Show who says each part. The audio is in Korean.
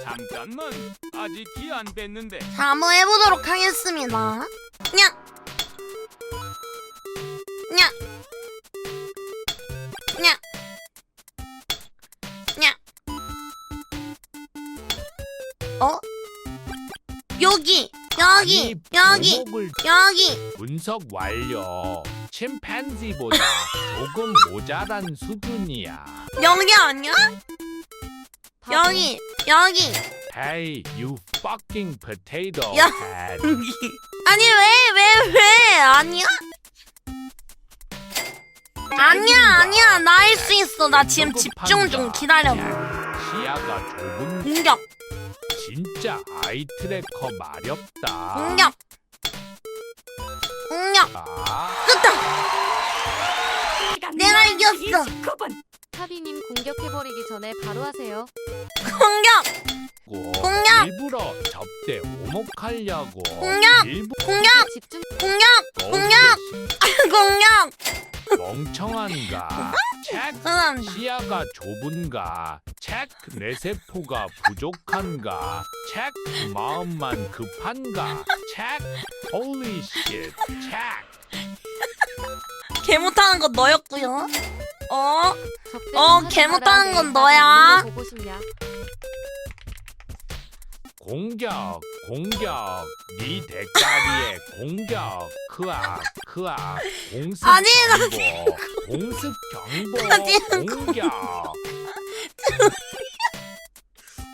Speaker 1: 잠깐만, 아직 기 안 뺐는데.
Speaker 2: 자, 한번 해보도록 하겠습니다. 냐! 냐! 냐! 냐! 어? 여기! 여기! 여기!
Speaker 3: 목을
Speaker 2: 여기!
Speaker 3: 분석 완료. 침팬지보다 조금 모자란 수준이야.
Speaker 2: 여기 아니야? 여기! 여기!
Speaker 3: Hey, you fucking potato
Speaker 2: 야.
Speaker 3: head.
Speaker 2: 여기! 아니 왜? 아니야? 아니야 나 할 수 있어. 나 지금 집중 중. 기다려봐.
Speaker 3: 시야가 좁은
Speaker 2: 공격!
Speaker 3: 진짜 아이 트래커 마렵다.
Speaker 2: 공격! 공격!
Speaker 3: 아,
Speaker 2: 끝다! 내가 이겼어!
Speaker 4: 타비님 공격해버리기 전에 바로 하세요.
Speaker 2: 공격! 공격!
Speaker 3: 일부러 접대 오목하려고.
Speaker 2: 공격!
Speaker 3: 일부러
Speaker 2: 공격!
Speaker 4: 집중.
Speaker 2: 공격! 공격!
Speaker 3: 멍청한가? 체크.
Speaker 2: 죄송합니다.
Speaker 3: 시야가 좁은가? 체크. 내 세포가 부족한가? 체크. 마음만 급한가? 체크. Holy shit. 체크.
Speaker 2: 개 못하는 건 너였고요.
Speaker 4: 적대
Speaker 2: 개 못하는 건 너야.
Speaker 4: 보고 싶냐?
Speaker 3: 공격. 네 대가리에 공격. 크악. 공습
Speaker 2: 아니, 나
Speaker 3: 경보. 공습 경보.
Speaker 2: 아니,
Speaker 3: 공격.